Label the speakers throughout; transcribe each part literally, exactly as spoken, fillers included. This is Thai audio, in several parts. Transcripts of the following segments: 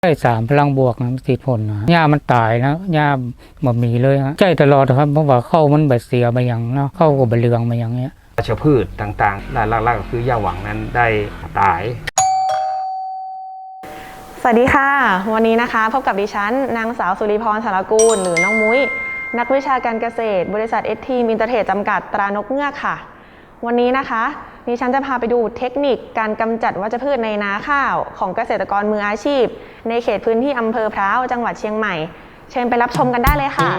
Speaker 1: ได้สามพลังบวกนะติดผลนะหญ้ามันตายนะหญ้าบ่มีเลยฮะใจตลอดครับเพราะว่าเข้ามันแบบเสียไปอย่างเนาะเข้ากับใบเหลืองมาอย่างเงี้ย
Speaker 2: วัชพืชต่างๆหลักๆก็คือหญ้าหวังนั้นได้ตาย
Speaker 3: สวัสดีค่ะวันนี้นะคะพบกับดิฉันนางสาวสุริพรสารกูลหรือน้องมุ้ยนักวิชาการเกษตรบริษัทเอสทีมินเตอร์เทรดจำกัดตรานกเงือกค่ะวันนี้นะคะดิฉันจะพาไปดูเทคนิคการกำจัดวัชพืชในนาข้าวของเกษตรกรมืออาชีพในเขตพื้นที่อำเภอพร้าวจังหวัดเชียงใหม่เชิญไปรับชมกันได้เลยค่ะ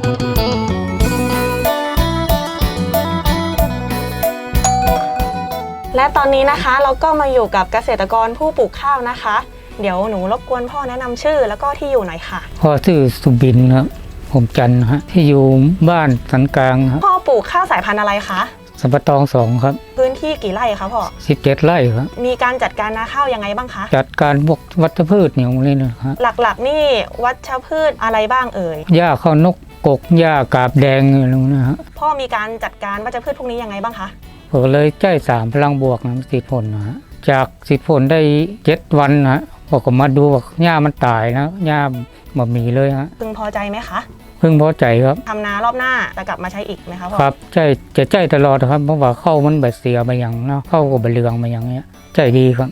Speaker 3: และตอนนี้นะคะเราก็มาอยู่กับเกษตรกรผู้ปลูกข้าวนะคะเดี๋ยวหนูรบกวนพ่อแนะนำชื่อแล้วก็ที่อยู่หน่อยค่ะ
Speaker 1: พ่อชื่อสุบินครับผมจันฮะที่อยู่บ้านสันกลางครับ
Speaker 3: พ่อปลูกข้าวสายพันธุ์อะไรคะ
Speaker 1: สัมปตองสองครับ
Speaker 3: พื้นที่กี่ไร่คะพ่อ
Speaker 1: สิบเจ็ดไร่ครับ
Speaker 3: มีการจัดการนาข้าวยังไงบ้างคะ
Speaker 1: จัดการพวกวัชพืชเนี่ยตรงนี้นะครับ
Speaker 3: หลักๆนี่วัชพืชอะไรบ้างเอ่ย
Speaker 1: หญ้าข้าวนกกกหญ้ากาบแดงอะไรนะฮะ
Speaker 3: พ่อมีการจัดการวัชพืชพวกนี้ยังไงบ้างคะ
Speaker 1: ผมเลยใจสามพลังบวกนะติดผลนะฮะจากติดผลได้เจ็ดวันนะผมก็มาดูว่าหญ้ามันตายนะหญ้าบ่มีเลยฮะ
Speaker 3: พึงพอใจไหมคะ
Speaker 1: พึงพอใจครับ
Speaker 3: ทำนารอบหน้าจะกลับมาใช้อีกไหมคะพ่อ
Speaker 1: ครับใจจะใจตลอดครับเพราะว่าเข้ามันแบบเสียไปอย่างเนาะเข้ากับใบเหลืองมาอย่างเงี้ยใจดีครับ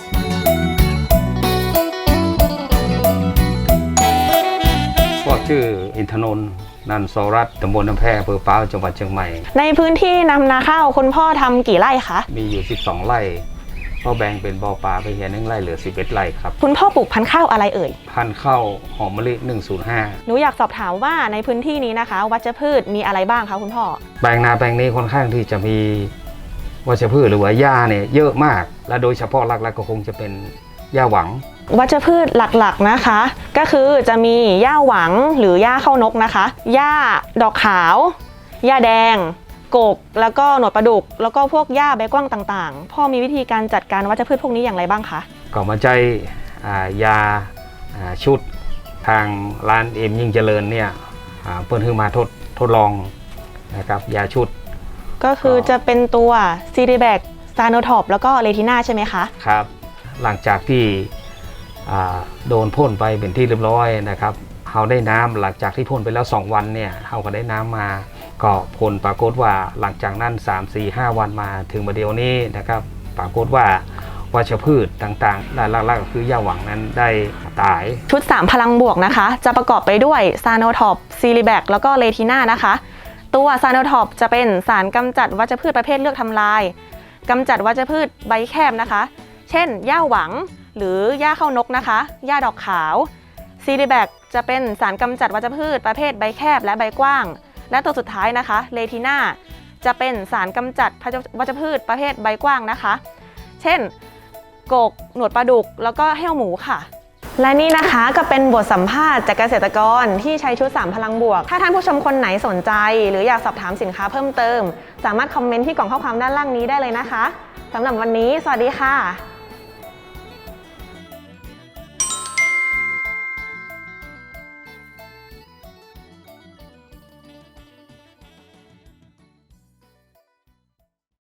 Speaker 2: พวกชื่ออินทนนท์นันทรรัตน์ตำบลน้ำแพอำเภอพร้าวจังหวัดเชียงใหม่
Speaker 3: ในพื้นที่นำนาข้าวคุณพ่อทำกี่ไร่คะ
Speaker 2: มีอยู่สิบสองไร่พ่อแบ่งเป็นบ่อปลาไปเฮียหนึ่งไร่เหลือสิบเอ็ดไร่ครับ
Speaker 3: คุณพ่อปลูกพันธุ์ข้าวอะไรเอ่ย
Speaker 2: พันธุ์ข้าวหอมมะลิหนึ่งศูนย์ห้า
Speaker 3: หนูอยากสอบถามว่าในพื้นที่นี้นะคะวัชพืชมีอะไรบ้างคะคุณพ่อ
Speaker 2: แปลงนาแปลงนี้ค่อนข้างที่จะมีวัชพืชหรือว่าหญ้าเนี่ยเยอะมากและโดยเฉพาะหลักๆก็คงจะเป็นหญ้าหวัง
Speaker 3: วัชพืชหลักๆนะคะก็คือจะมีหญ้าหวังหรือหญ้าเข้านกนะคะหญ้าดอกขาวหญ้าแดงกกแล้วก็หนวดปลาดุกแล้วก็พวกหญ้าใบกว้างต่างๆพ่อมีวิธีการจัดการวัชพืชพวกนี้อย่างไรบ้างคะ
Speaker 2: ก็มาใจยาชุดทางร้านเอ็มยิ่งเจริญเนี่ยเปิดขึ้นมาทดทดลองนะครับยาชุด
Speaker 3: ก็คือจะเป็นตัวซีดีแบกซาโนท็อปแล้วก็เลทิน่าใช่ไหมคะ
Speaker 2: ครับหลังจากที่โดนพ่นไปเป็นที่เรียบร้อยนะครับเขาได้น้ำหลังจากที่พ่นไปแล้วสองวันเนี่ยเขาก็ได้น้ำมาก็ผลปรากฏว่าหลังจากนั้น สาม สี่ ห้า วันมาถึงมาเดียวนี้นะครับปรากฏว่าวัชพืชต่างๆหลักๆก็คือหญ้าหวังนั้นได้ตาย
Speaker 3: ชุดสามพลังบวกนะคะจะประกอบไปด้วยซาโนท็อปซีรีแบกแล้วก็เลทิน่านะคะตัวซาโนท็อปจะเป็นสารกำจัดวัชพืชประเภทเลือกทำลายกำจัดวัชพืชใบแคบนะคะเช่นหญ้าหวังหรือหญ้าเข้านกนะคะหญ้าดอกขาวซีรีแบกจะเป็นสารกำจัดวัชพืชประเภทใบแคบและใบกว้างและตัวสุดท้ายนะคะเลทิน่าจะเป็นสารกำจัดวัชพืชประเภทใบกว้างนะคะเช่นกกหนวดปลาดุกแล้วก็แห้วหมูค่ะและนี่นะคะก็เป็นบทสัมภาษณ์จากเกษตรกรที่ใช้ชุดสามพลังบวกถ้าท่านผู้ชมคนไหนสนใจหรืออยากสอบถามสินค้าเพิ่มเติมสามารถคอมเมนต์ที่กล่องข้อความด้านล่างนี้ได้เลยนะคะสำหรับวันนี้สวัสดีค่ะ